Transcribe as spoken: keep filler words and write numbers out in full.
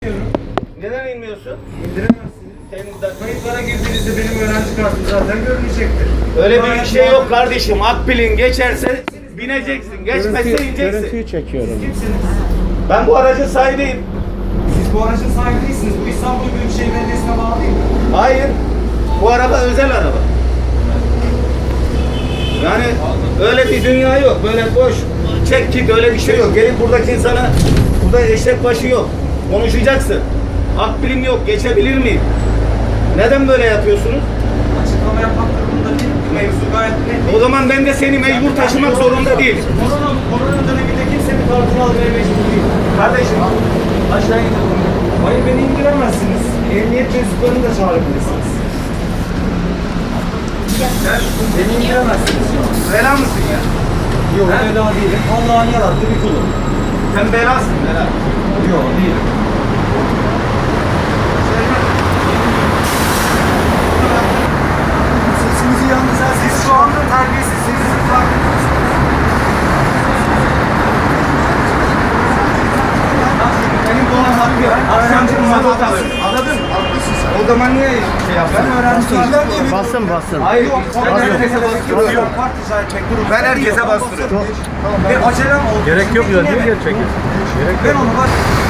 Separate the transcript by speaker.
Speaker 1: Neden inmiyorsun?
Speaker 2: İndiremezsiniz.
Speaker 1: Senin
Speaker 2: Kayıtlara girdiğinizde benim öğrenci kartım zaten görünecektir.
Speaker 1: öyle bir şey yok kardeşim. Akbil'in geçerse bineceksin. Geçmezse
Speaker 3: Görüntü,
Speaker 1: ineceksin.
Speaker 3: görüntüyü çekiyorum.
Speaker 2: Kimsiniz?
Speaker 1: Ben bu aracın sahibiyim.
Speaker 2: Siz bu aracın sahibi değilsiniz. Bu İstanbul Büyükşehir Belediyesi'ne bağlı değil mi?
Speaker 1: Hayır. Bu araba özel araba. Yani öyle bir dünya yok. Böyle boş çek git öyle bir şey yok. Gelip buradaki insana burada eşek başı yok. Konuşacaksın. Akbilim yok. Geçebilir miyim? Neden böyle yapıyorsunuz?
Speaker 2: Açıklama yapmak durumunda değil. Mevzu gayet net.
Speaker 1: O zaman ben de seni mecbur taşımak zorunda değilim.
Speaker 2: Korona, korona döneminde kimse bir kartını almaya mecbur değil.
Speaker 1: Kardeşim aşağı gidelim.
Speaker 2: Hayır, beni indiremezsiniz. Emniyet mensuplarını da çağırabilirsiniz. Beni indiremezsiniz.
Speaker 1: Bela mısın ya?
Speaker 2: Yok, bela değilim. Allah'ın yarattığı bir kulum.
Speaker 1: Sen belasın bela.
Speaker 2: Yok, değilim. Sesinizi yalnız siz şu anda terbiyesizsiniz.
Speaker 1: Benim bu olan hakkı yok. Akşamcı mazot alır. Anladın mı? O zaman niye şey yaptın?
Speaker 2: Ben öğrenciler diye bir
Speaker 3: Basın basın.
Speaker 1: Hayır.
Speaker 2: Yok,
Speaker 1: Ben herkese bastırıyorum.
Speaker 2: Kart rica etmek durumunda
Speaker 1: Ben herkese
Speaker 2: değilim.
Speaker 1: bastırıyorum.
Speaker 2: Ve acelem oldu.
Speaker 3: Gerek yok ya. Niye
Speaker 2: Dinlemeyin.
Speaker 3: geri çekiyorsun? Gerek
Speaker 2: Ben
Speaker 3: yok.
Speaker 2: onu bak.